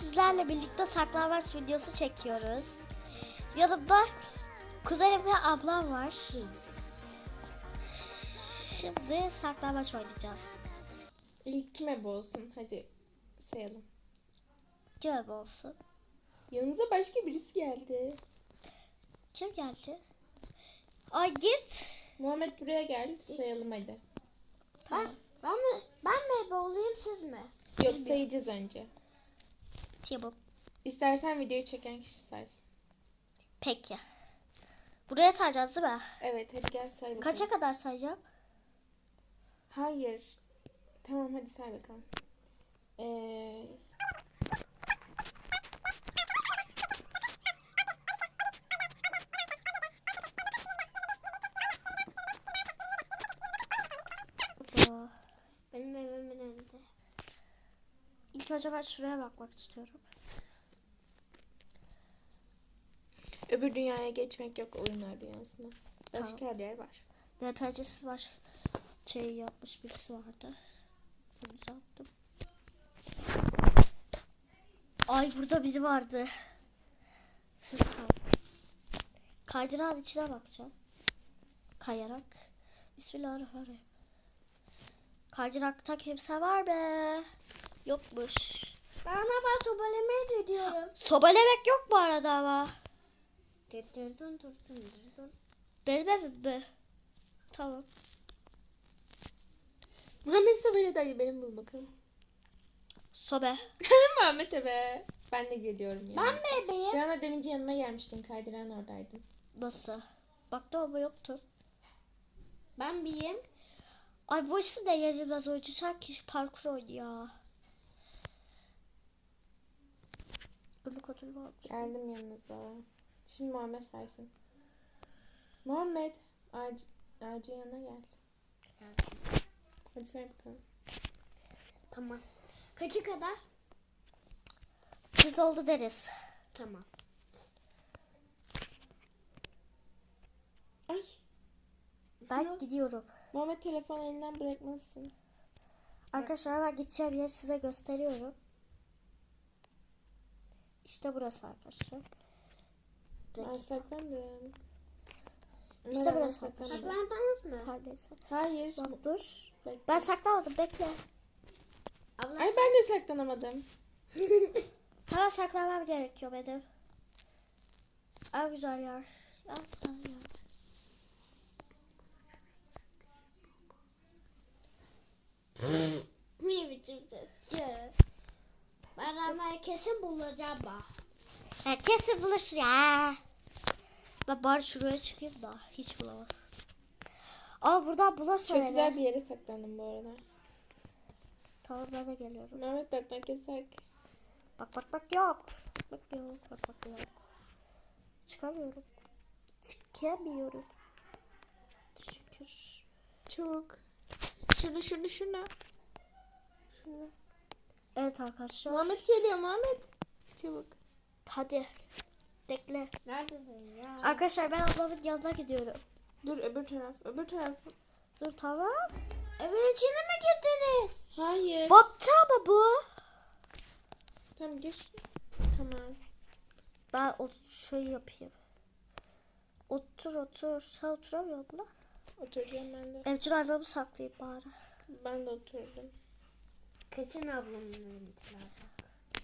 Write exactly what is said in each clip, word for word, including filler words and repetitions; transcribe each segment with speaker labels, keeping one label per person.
Speaker 1: sizlerle birlikte saklambaç videosu çekiyoruz. Yanımda kuzenim ve ablam var. Şimdi saklambaç oynayacağız.
Speaker 2: İlk kim ebe olsun? Hadi sayalım.
Speaker 1: Kim ebe olsun?
Speaker 2: Yanımıza başka birisi geldi.
Speaker 1: Kim geldi? Ay git.
Speaker 2: Muhammed buraya gel. Sayalım hadi.
Speaker 1: Tamam. Ben, ben mi ben mi ebe olayım, siz mi?
Speaker 2: Yok,
Speaker 1: Bilmiyorum.
Speaker 2: sayacağız önce.
Speaker 1: Tamam.
Speaker 2: İstersen videoyu çeken kişi saysın.
Speaker 1: Peki. Buraya sayacağız değil mi?
Speaker 2: Evet, hadi gel say bakalım.
Speaker 1: Kaça kadar sayacağım?
Speaker 2: Hayır. Tamam, hadi say bakalım. Ee...
Speaker 1: Benim evimin önünde. İlk önce ben şuraya bakmak istiyorum.
Speaker 2: Öbür dünyaya geçmek yok, oyunlar dünyasına. Başka
Speaker 1: Tamam.
Speaker 2: her yer var.
Speaker 1: D P C'si var. Şey yapmış birisi vardı. Bunu uzattım. Ay burada biri vardı. Siz say. Kaydırağın içine bakacağım. Kayarak. Bismillahirrahmanirrahim. Kaydırakta kimse var be. Yokmuş.
Speaker 3: Ben ama ben sobalemeye gidiyorum.
Speaker 1: Sobelemek yok bu arada ama.
Speaker 3: Durdun durdun durdun.
Speaker 1: Benim evim mi? Tamam.
Speaker 2: Muhammed Sabah'la dayı benim bul bakalım.
Speaker 1: Sobe.
Speaker 2: Muhammed ebe. Ben de geliyorum yani.
Speaker 3: Ben mi ebeyim?
Speaker 2: Canan demince yanıma gelmiştin. Kaydıran oradaydım.
Speaker 1: Nasıl? Baktım ama yoktu.
Speaker 3: Ben biriyim.
Speaker 1: Ay bu işi de yenilmez oyuncu. Sanki parkur oynuyor. Günlük ödül var.
Speaker 2: Geldim yanınıza. Şimdi Muhammed saysın. Muhammed. Ağacı, ağacın yanına gel. Hadi say bakalım.
Speaker 3: Tamam. Kaçı kadar?
Speaker 1: Biz oldu deriz.
Speaker 3: Tamam.
Speaker 2: Ay.
Speaker 1: Ben
Speaker 2: Şunu-
Speaker 1: gidiyorum.
Speaker 2: Muhammed telefonu elinden bırakmalısın.
Speaker 1: Arkadaşlar ben gideceğim yeri size gösteriyorum. İşte burası arkadaşlar. Bir
Speaker 2: Ben
Speaker 1: dakika.
Speaker 2: saklandım.
Speaker 1: İşte
Speaker 2: Merhaba,
Speaker 1: burası
Speaker 2: saklandım.
Speaker 3: Saklandınız mı?
Speaker 1: Neredeyse.
Speaker 2: Hayır.
Speaker 1: Bak dur.
Speaker 2: Bekle.
Speaker 1: Ben saklanmadım, bekle.
Speaker 3: Abla
Speaker 2: Ay ben de saklanamadım.
Speaker 1: Hemen saklanmam gerekiyor benim. En güzel yer. En güzel yer.
Speaker 3: ne biçim sesçi? Ben Rana'yı kesin bulacağım bak.
Speaker 1: Ya kesin bulursun ya. Ben bari şuraya çıkayım da hiç bulamaz. Ama buradan bulursun
Speaker 2: Çok
Speaker 1: beni.
Speaker 2: güzel bir yere saklandım bu arada.
Speaker 1: Tamam ben de geliyorum.
Speaker 2: Muhammed bakmak yasak.
Speaker 1: Bak bak bak yok. Bak yok. Bak bak yok. Çıkamıyorum. Çıkamıyorum. Şükür.
Speaker 2: Çok. Şunu şunu şunu.
Speaker 1: Şunu. Evet arkadaşlar.
Speaker 2: Muhammed geliyor Muhammed. Çabuk.
Speaker 1: Hadi. Bekle.
Speaker 3: Neredesin ya?
Speaker 1: Arkadaşlar ben ablamın yanına gidiyorum.
Speaker 2: Dur öbür taraf. Öbür taraf.
Speaker 1: Dur tamam.
Speaker 3: Evin içine mi girdiniz?
Speaker 2: Hayır.
Speaker 1: Baktı ama bu.
Speaker 2: Tamam gir. Tamam.
Speaker 1: Ben o şey yapayım. Otur otur. Sen oturamıyor musun?
Speaker 2: Oturacağım ben de.
Speaker 1: Evcil hayvanımı saklayayım bari.
Speaker 2: Ben de oturdum.
Speaker 3: Kaçın ablamın önündeler bak.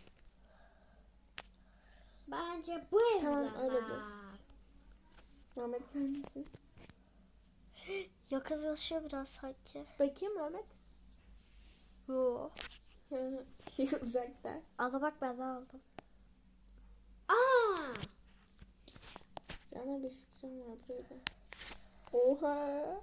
Speaker 3: Bence bu evler
Speaker 2: Tamam, öyle
Speaker 3: var.
Speaker 2: dur. Muhammed gelmesin.
Speaker 1: Yakınlaşıyor biraz sanki.
Speaker 2: Bakayım Muhammed.
Speaker 1: Yo.
Speaker 2: Uzakta.
Speaker 1: Al bak ben de aldım.
Speaker 3: Aa!
Speaker 2: Sana bir fikrim var burada. Oha.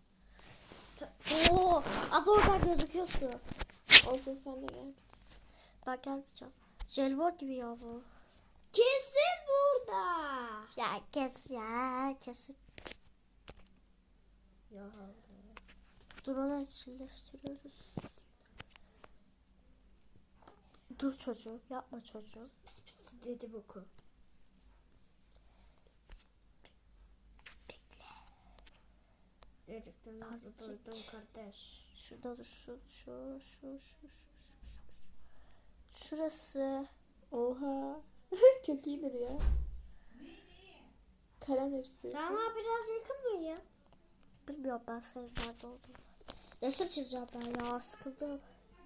Speaker 1: Oo, abla oradan gözüküyorsun.
Speaker 2: Olsun sen de gel.
Speaker 1: Ben gelmeyeceğim. Jelibon gibi ya bu.
Speaker 3: Kesin burada.
Speaker 1: Ya kes ya kesin.
Speaker 3: Ya.
Speaker 1: Dur onu içinleştiriyoruz. Dur çocuğum yapma çocuğum.
Speaker 3: Dedi boku. Dedikten
Speaker 1: Kardeşim.
Speaker 3: duydum kardeş.
Speaker 1: Şurada dur şu şu şu şu şu şu. Şurası.
Speaker 2: Oha. Çok iyidir ya. Kalemle çiziyorsun.
Speaker 3: Rana biraz yakın mıyım?
Speaker 1: Bilmiyorum ben senin nerede olduğunu. Resim çizeceğim ben ya, sıkıldım.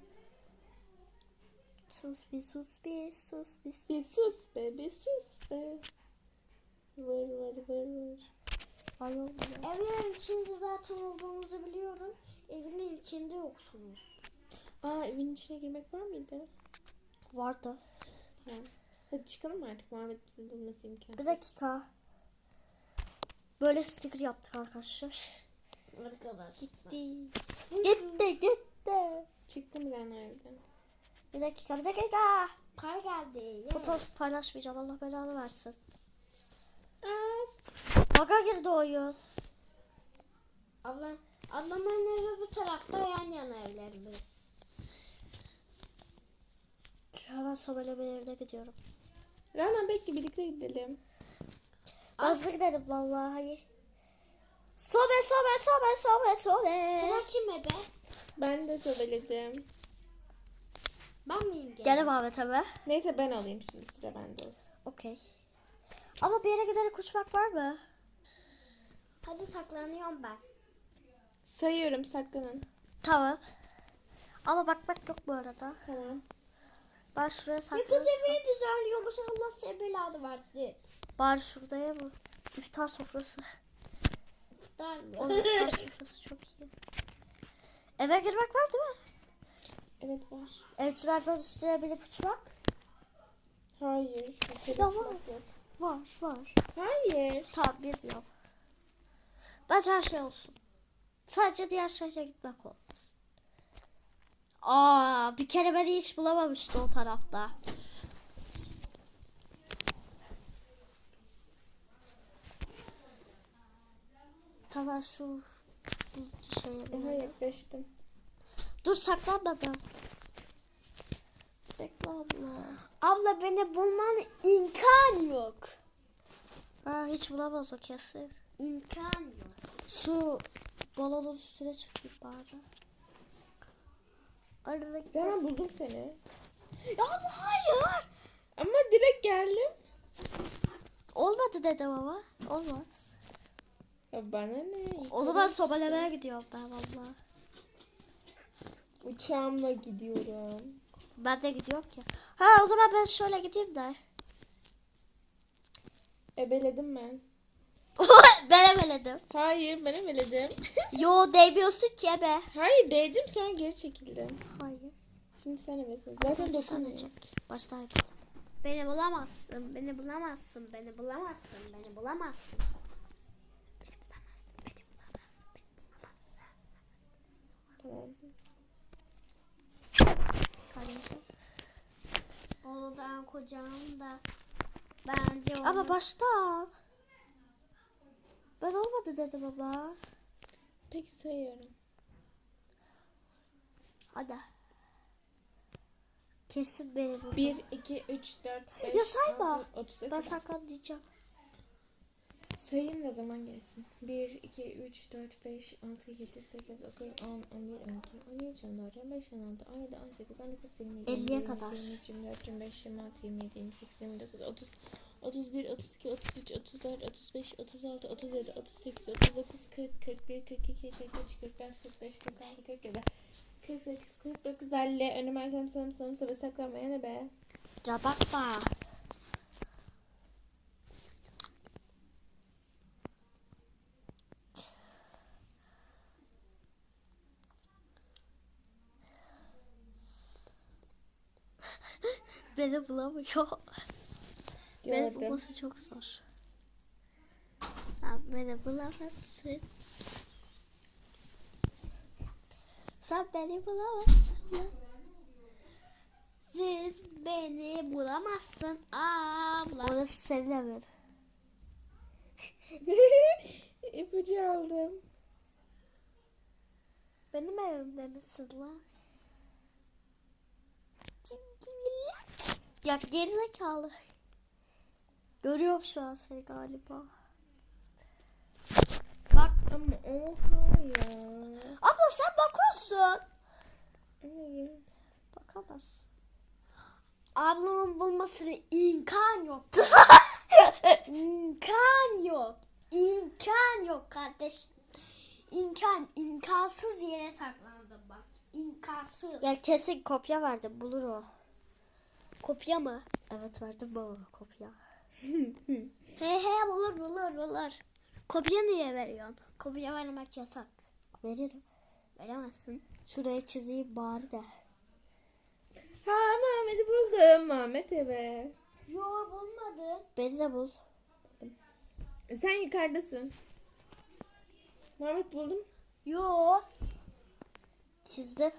Speaker 1: Sus bir sus bir sus bir sus.
Speaker 2: Bir sus be, bir sus be. Vır vır vır vır.
Speaker 1: Ay olmuyor.
Speaker 3: Evin içinde zaten olduğumuzu biliyorum. Evinin içinde yoksunuz.
Speaker 2: Aa, evin içine girmek var mıydı?
Speaker 1: Vardı.
Speaker 2: Tamam. Hadi çıkalım artık. Muhammed bizi bulması imkansız.
Speaker 1: Bir dakika. Böyle sticker yaptık arkadaşlar.
Speaker 3: Arkadaş.
Speaker 1: Gitti. Gitti gitti.
Speaker 2: Çıktım Rana evden.
Speaker 1: Bir dakika bir dakika.
Speaker 3: Par geldi. Yeah.
Speaker 1: Fotoğraf paylaşmayacağım, Allah belanı versin.
Speaker 2: Aa,
Speaker 1: Baga girdi oyun.
Speaker 3: Abla, ablamın evi bu tarafta, yan yana evlerimiz.
Speaker 1: Hemen sobelemeye evine gidiyorum.
Speaker 2: Rana bekle, birlikte gidelim.
Speaker 1: Hızlı gidelim vallahi. Sobe sobe sobe sobe sobe.
Speaker 3: Sıra kime be?
Speaker 2: Ben de sobeledim.
Speaker 3: Ben miyim gene?
Speaker 1: Gel Ahmet abi.
Speaker 2: Neyse ben alayım şimdi, sıra bende olsun.
Speaker 1: Okey. Ama bir yere giderek uçmak var mı?
Speaker 3: Hadi saklanıyorum ben.
Speaker 2: Sayıyorum, saklanın.
Speaker 1: Tamam. Ama bakmak yok bu arada.
Speaker 2: Tamam.
Speaker 1: Ben şuraya
Speaker 3: Bir kız
Speaker 1: saklansam.
Speaker 3: evi düzenliyormuş, Allah size belanı versin.
Speaker 1: Bari şuraya mı? İftar sofrası.
Speaker 3: İftar mı?
Speaker 1: O iftar sofrası çok iyi. Eve girmek var değil mi?
Speaker 2: Evet var.
Speaker 1: Evciler üstüne binip uçmak?
Speaker 2: Hayır. bir kere
Speaker 1: Ya
Speaker 2: uçmak
Speaker 1: var.
Speaker 2: yok.
Speaker 1: Var var.
Speaker 2: Hayır.
Speaker 1: Tamam bilmiyorum. Bence her şey olsun. Sadece diğer şehre gitmek olmasın. Aa, bir kere beni hiç bulamamıştı o tarafta. Tamam şu bu şeye
Speaker 2: Aha,
Speaker 1: binelim.
Speaker 2: yaklaştım.
Speaker 1: Dur saklanmadım. Bekle abla.
Speaker 3: Abla beni bulman imkan yok.
Speaker 1: Aa, hiç bulamaz o kesin.
Speaker 3: İmkan yok.
Speaker 1: Şu balonun üstüne çıkayım bari. Aradaki...
Speaker 2: Rana buldum seni.
Speaker 1: Ya bu hayır.
Speaker 2: Ama direkt geldim.
Speaker 1: Olmadı dedim ama. Olmaz.
Speaker 2: Ya bana ne?
Speaker 1: O zaman sobelemeye gidiyorum ben valla.
Speaker 2: Uçağımla gidiyorum.
Speaker 1: Ben de gidiyorum ki. Ha o zaman ben şöyle gideyim de.
Speaker 2: Ebeledim ben.
Speaker 1: Ben ebeledim.
Speaker 2: Hayır, ben ebeledim.
Speaker 1: Yo değmiyorsun ki ebe.
Speaker 2: Hayır, değdim sonra geri çekildim.
Speaker 1: Hayır.
Speaker 2: Şimdi sen ebesin. Zaten dokunmuyor.
Speaker 1: Başta ebeledim.
Speaker 3: Beni bulamazsın, beni bulamazsın, beni bulamazsın, beni bulamazsın.
Speaker 2: Tamam.
Speaker 1: Kardeşim.
Speaker 3: Oğlan kocam da bence onu...
Speaker 1: Ama başta. Ben olmadı dedim ama.
Speaker 2: Peki sayıyorum.
Speaker 1: Hadi. Kesin beni burada.
Speaker 2: bir, iki, üç, dört, beş,
Speaker 1: Ya sayma.
Speaker 2: altı, otuz.
Speaker 1: Ben saklanmayacağım.
Speaker 2: Sayayım da zaman gelsin. bir, iki, üç, dört, beş, altı, yedi, sekiz, dokuz, on, on bir, on iki, on üç, on dört, on beş, on altı, on yedi, on sekiz, on dokuz, yirmi,
Speaker 1: elliye kadar.
Speaker 2: yirmi üç, yirmi dört, yirmi beş, yirmi altı, yirmi yedi, yirmi sekiz, yirmi dokuz, otuz, otuz bir, otuz iki, otuz üç, otuz dört, otuz beş, otuz altı, otuz yedi, otuz sekiz, otuz dokuz, kırk, kırk bir, kırk iki, kırk üç, kırk dört, kırk beş, kırk altı, kırk yedi, kırk sekiz, kırk dokuz, elli. Önüm arkam sanım sonum sobe saklanmaya ne be?
Speaker 1: Ya bakma. Beni bulamıyor. Beni
Speaker 2: Gördüm.
Speaker 1: bulması çok zor. Sen beni bulamazsın. Sen beni bulamazsın.
Speaker 3: Siz beni bulamazsın abla.
Speaker 1: Orası senin evin.
Speaker 2: İpucu aldım.
Speaker 1: Benim evimde misin lan? Ya gerizekalı. Görüyorum şu an seni galiba. Bak.
Speaker 2: Ama oha ya.
Speaker 1: Abla sen bakıyorsun.
Speaker 2: Hayır.
Speaker 1: Bakamazsın.
Speaker 3: ablamın bulmasına imkan yok. İmkan yok. İmkan yok kardeş. İmkan, imkansız yere saklandım bak. İmkansız.
Speaker 1: Ya kesin kopya verdim, bulur o.
Speaker 3: Kopya mı?
Speaker 1: Evet, verdim baba kopya.
Speaker 3: He he bulur bulur bulur. Kopya niye veriyorsun? Kopya vermek yasak.
Speaker 1: Veririm.
Speaker 3: Veremezsin.
Speaker 1: Şuraya çizeyim bari de.
Speaker 2: Ha Muhammed'i buldum. Muhammed eve.
Speaker 3: Yo bulmadın.
Speaker 1: Beni de bul.
Speaker 2: Sen yukarıdasın. Muhammed buldum.
Speaker 3: Yo.
Speaker 1: Çizdim.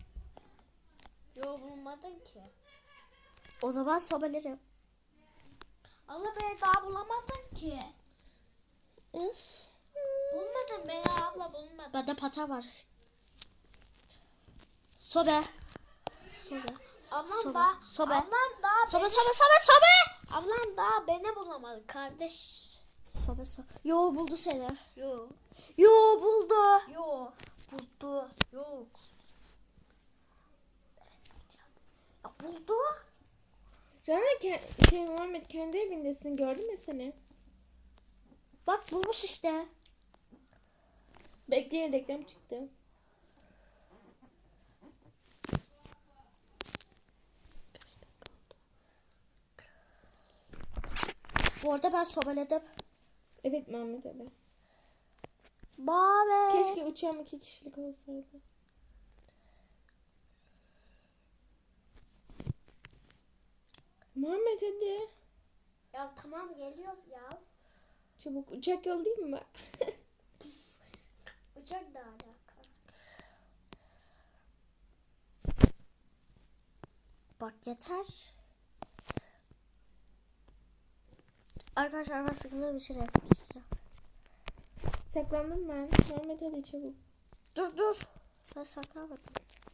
Speaker 3: Yo bulmadın ki.
Speaker 1: O zaman sobelerim.
Speaker 3: Allah beni daha bulamadın ki.
Speaker 1: Üf.
Speaker 3: Bulmadın beni abla bulmadın.
Speaker 1: Bende pata var. Sobe. Sobe.
Speaker 3: Ablam
Speaker 1: Sobe,
Speaker 3: daha,
Speaker 1: sobe.
Speaker 3: ablam daha
Speaker 1: Sobe
Speaker 3: beni,
Speaker 1: sobe sobe sobe.
Speaker 3: ablam daha beni bulamadı kardeş.
Speaker 1: Sobe sobe. Yo, buldu seni.
Speaker 3: Yo.
Speaker 1: Yo, buldu.
Speaker 3: Yo.
Speaker 1: Buldu.
Speaker 3: Yok. Ya buldu.
Speaker 2: Rana ke- şey Muhammed kendi evindesin. Gördün mü seni?
Speaker 1: Bak bulmuş işte.
Speaker 2: Bekleyin reklam çıktı.
Speaker 1: Bu arada ben sobeledim.
Speaker 2: Evet Muhammed eve.
Speaker 1: Mavi.
Speaker 2: Keşke uçağım iki kişilik olsaydı. Muhammed hadi.
Speaker 3: Ya tamam geliyorum ya.
Speaker 2: Çabuk uçak yollayayım mı?
Speaker 3: Uçak da alaka.
Speaker 1: Bak yeter. Arkadaşlar ben sıkıldığım bir şey resim çizeceğim.
Speaker 2: Saklandım ben. Muhammed hadi çabuk.
Speaker 1: Dur dur. Ben saklamadım.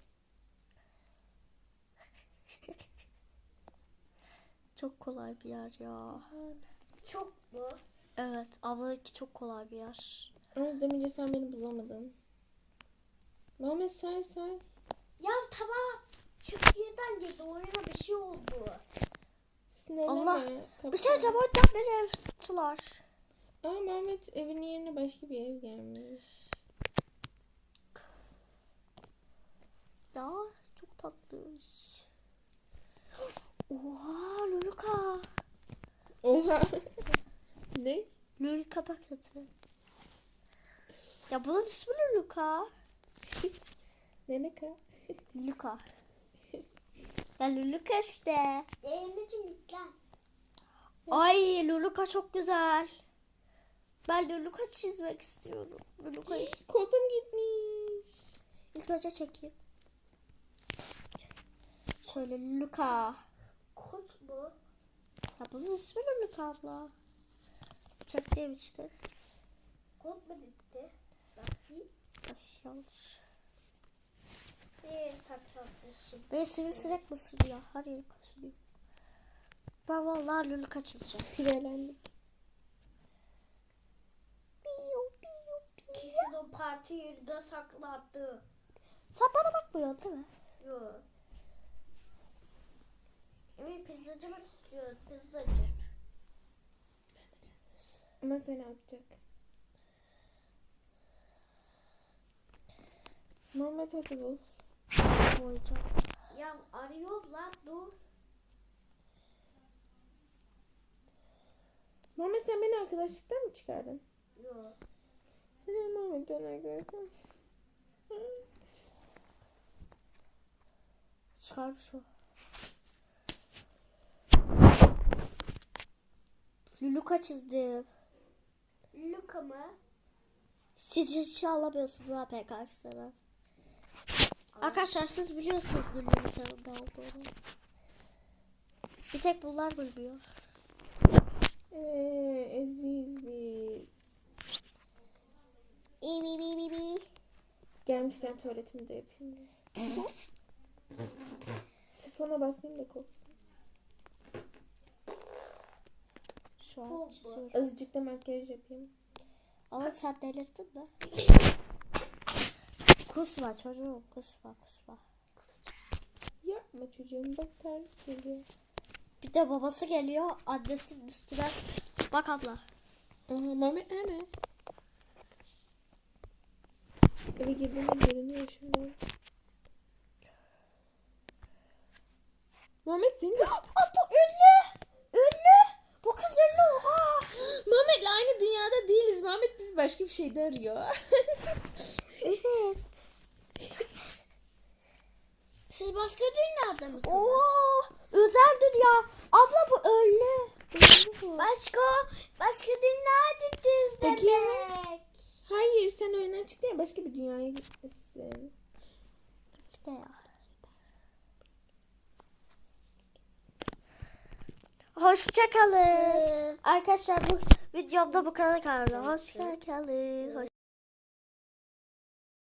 Speaker 1: Çok kolay bir yer ya.
Speaker 3: Çok mu?
Speaker 1: Evet, ablanınki çok kolay bir yer.
Speaker 2: Ama demince sen beni bulamadın. Muhammed say say.
Speaker 3: Ya tamam. Türkiye'den geldi. Oyuna bir şey oldu.
Speaker 2: Sinirlenme.
Speaker 1: Allah,
Speaker 2: Kapı.
Speaker 1: Bir şey diyeceğim, o yüzden beni ev tuttular.
Speaker 2: Aa Muhammed evinin yerine başka bir ev gelmiş.
Speaker 1: Ya çok tatlı. Oha, Luluka.
Speaker 2: Oha. Ne?
Speaker 1: Luluka paketi. Ya bunun ismi Luluka.
Speaker 2: Ne ne ka?
Speaker 1: Luluka. Ya Luluka işte.
Speaker 3: Elimizin yüklen.
Speaker 1: Ay, Luluka çok güzel. Ben Luluka çizmek istiyorum. Luluka'yı çiz-
Speaker 2: Koltuğum gitmiş.
Speaker 1: İlk önce çekeyim. Şöyle Luluka.
Speaker 3: Kurt bu.
Speaker 1: Ya bunun ismi Luluka abla. Çektiğim işte.
Speaker 3: Kurt mu gitti? Bakayım.
Speaker 1: Ay, yanlış.
Speaker 3: Bir saklanmışım.
Speaker 1: Beni sivrisinek mi ısırdı ya? Her yerim kaşınıyor. Ben vallahi Luluka çizeceğim.
Speaker 2: Pirelendim.
Speaker 1: Piyo, piyo, piyo.
Speaker 3: Kesin o parti yerinde saklandı.
Speaker 1: Sen bana bakmıyorsun değil mi?
Speaker 3: Yok. Emin pizzacı mı tutuyor? Pizzacı.
Speaker 2: Ama seni atacak. Muhammed hadi bul.
Speaker 1: Koyacağım.
Speaker 3: Ya arıyorlar dur.
Speaker 2: Muhammed sen beni arkadaşlıktan mı çıkardın?
Speaker 3: Yok.
Speaker 2: Hadi Muhammed ben arkadaşım.
Speaker 1: Çıkarmış o. Luluka çizdim.
Speaker 3: Luka mı?
Speaker 1: Siz hiç alamıyorsunuz ha P K X'den. Arkadaşlar siz biliyorsunuz Luluka'nın ne olduğunu. Bir tek bunlar bilmiyor.
Speaker 2: Eee eziz biz.
Speaker 1: İyi bi bi bi bi.
Speaker 2: Gelmişken tuvaletimi de yapayım. da. Sifona basayım da koksun.
Speaker 1: Şu an
Speaker 3: Çok bu.
Speaker 1: çiziyorum.
Speaker 2: Azıcık da makyaj yapayım.
Speaker 1: Ama sen delirdin mi? Kusma çocuğum, kusma kusma.
Speaker 2: Ya Yapma çocuğum, bak terlik geliyor.
Speaker 1: Bir de babası geliyor. Annesinin üstüne. Bak abla.
Speaker 2: Aha, Mehmet nerede? Eve girdiğinde görünüyor şundan. Mehmet senin de...
Speaker 1: Aa, bu ünlü. Ünlü. Bu kız ünlü. Oha.
Speaker 2: Mehmet'le aynı dünyada değiliz. Mehmet bizi başka bir şeyde arıyor.
Speaker 1: Evet.
Speaker 3: Siz başka dünyada mısınız?
Speaker 1: Oo, özel dünya. Abla bu ünlü. Ünlü bu.
Speaker 3: Başka başka dünyadasınız
Speaker 2: Bakayım.
Speaker 3: demek.
Speaker 2: Hayır, sen oyundan çıktın ya, başka bir dünyaya gitmişsin.
Speaker 1: İşte ya. Hoşçakalın. Arkadaşlar bu videomda bu kadar kaldı. Hoşçakalın. Hoş